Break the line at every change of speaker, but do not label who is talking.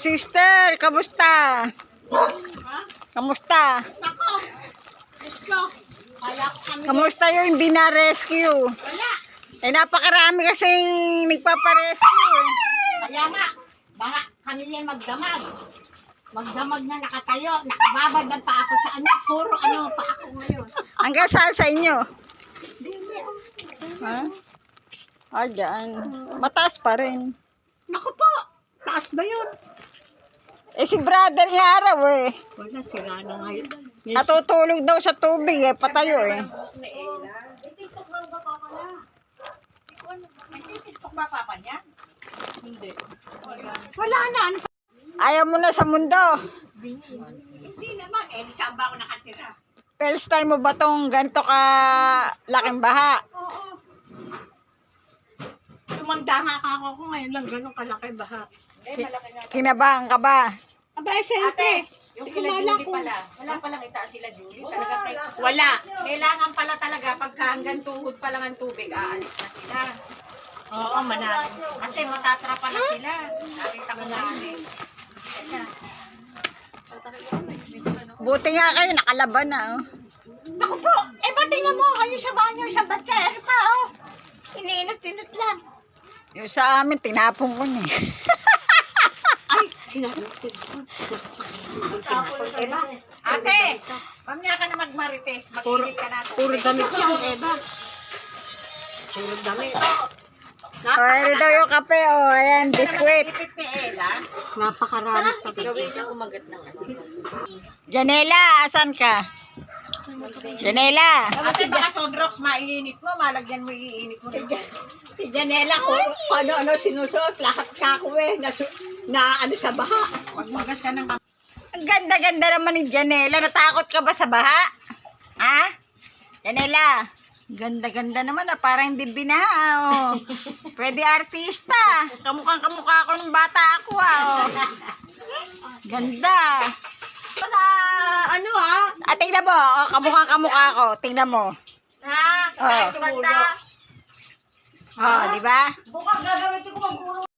sister, kamusta? Kamusta?
Ako. Gusto. Kaya ko kami.
Kamusta yung hindi na-rescue?
Wala.
Eh, napakarami kasing nagpaparescue eh.
Kaya nga. Baka kami niya magdamag. Magdamag na nakatayo. Nakababad ang pa ako sa ano. Puro ano pa ako ngayon.
Hanggang saan sa inyo?
Hindi.
Ha? Ah, dyan. Mataas pa rin.
Naku po. Taas ba yun?
Eh, si brother niya araw eh.
Wala. Sira na ngayon.
Natutulog daw sa tubig eh. Patayo eh.
Wala na. Ano pa?
Ayaw mo na sa mundo.
Hindi naman. Eh, saan ba ako nakatira?
First time mo ba tong ganito ka laking baha?
Oo. Tumanda nga ako ngayon lang. Ganun kalaki baha.
Kinabahan ka ba?
Aba, siyempre.
Yung kila Julie pala, wala palang itaas sila Julie. Talaga
Wala.
kailangan pala talaga pagka hanggang tuhod pa lang ang tubig, aalis na sila.
Oo, manalo.
Kasi matatrapa na sila. Nakita ko na eh.
Buti nga kayo, nakalaban na. Oh.
Naku po, eh ba't tingnan mo kayo sa banyo, sa batser pa, oh. Iniinot-inot lang.
Yung sa amin, tinapon ko niya.
Ay, sinabi ko.
Eva, ate, mamaya ka na magmarites. Magsilip ka natin.
Puro damit yan, Eva. Puro damit.
O, ano daw yung kape, oh. Ayan, biskwit.
Ipit ni Ella.
Napakarami pa.
Gawin niya kumagat ng ano.
Janela, asan ka? Janela.
Kasi baka Sodrox, maiinit mo, malagyan mo iinit mo.
Si Janela ko, ano-ano sinusuot, lahat kako eh, na ano sa baha.
Magmagas ka ng
Ang ganda-ganda naman ni Janela. Natakot ka ba sa baha? Ha? Janela. Ganda-ganda naman ah. Parang hindi binaha oh. Pwede artista. Kamukhang-kamukha ako nung bata ako ah. Oh. Ganda.
Sa ano
Ah, tingnan mo. Oh, kamukhang-kamukha ako. Tingnan mo.
Ha?
Oh.
Basta.
Oh, di ba?
Bukas gagawin ko